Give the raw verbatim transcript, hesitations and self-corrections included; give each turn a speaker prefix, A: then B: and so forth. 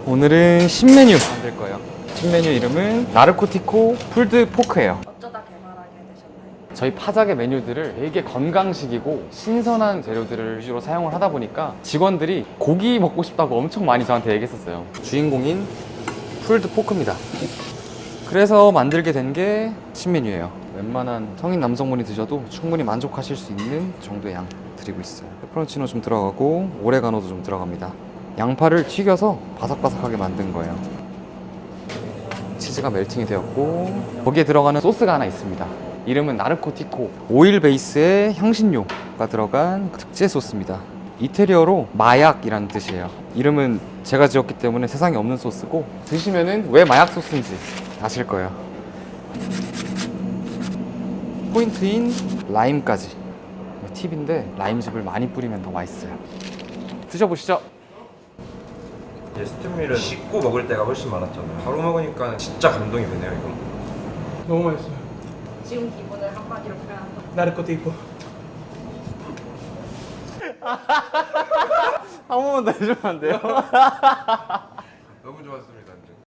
A: 오늘은 신메뉴 만들 거예요. 신메뉴 이름은 나르코티코 풀드 포크예요.
B: 어쩌다 개발하게 되셨나요?
A: 저희 파자게 메뉴들을 되게 건강식이고 신선한 재료들을 위주로 사용을 하다 보니까 직원들이 고기 먹고 싶다고 엄청 많이 저한테 얘기했었어요. 주인공인 풀드 포크입니다. 그래서 만들게 된 게 신메뉴예요. 웬만한 성인 남성분이 드셔도 충분히 만족하실 수 있는 정도의 양 드리고 있어요. 페퍼론치노 좀 들어가고 오레가노도 좀 들어갑니다. 양파를 튀겨서 바삭바삭하게 만든 거예요. 치즈가 멜팅이 되었고 거기에 들어가는 소스가 하나 있습니다. 이름은 나르코티코, 오일 베이스의 향신료가 들어간 특제 소스입니다. 이태리어로 마약이라는 뜻이에요. 이름은 제가 지었기 때문에 세상에 없는 소스고 드시면은 왜 마약 소스인지 아실 거예요. 포인트인 라임까지. 팁인데 라임즙을 많이 뿌리면 더 맛있어요. 드셔보시죠.
C: 이제 스팀밀은 씻고 먹을 때가 훨씬 많았잖아요. 바로 먹으니까 진짜 감동이 되네요, 이거.
D: 너무 맛있어요.
B: 지금 기분을 한마디로 표현한다.
D: 나르코티코.
A: 한 번만 더 해주면 안 돼요?
C: 너무 좋았습니다.